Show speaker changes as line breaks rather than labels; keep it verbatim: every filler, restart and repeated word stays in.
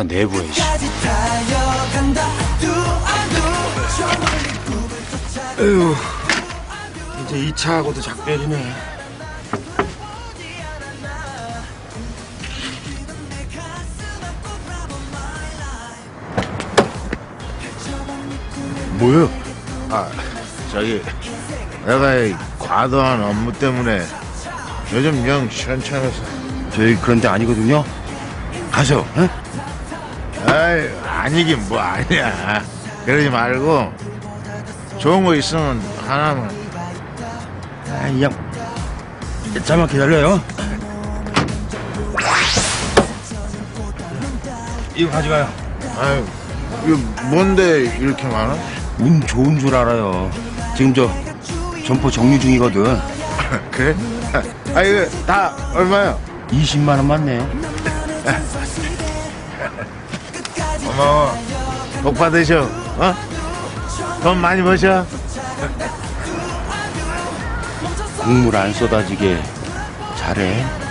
내부에.
에휴, 이제 이 차하고도 작별이네.
뭐요? 아, 저기 내가 이 과도한 업무 때문에 요즘 영 시원찮아서.
저희 그런 데 아니거든요. 가서, 에?
아이, 아니긴 뭐 아니야. 그러지 말고 좋은 거 있으면 하나만.
아, 이 양, 잠깐만 기다려요. 이거 가져가요.
아유, 이거 뭔데 이렇게 많아?
운 좋은 줄 알아요. 지금 저 점포 정리 중이거든.
그래? 아, 이거 다 얼마야?
이십만 원 맞네요.
고마워. 복 받으셔. 어? 돈 많이 버셔.
국물 안 쏟아지게 잘해.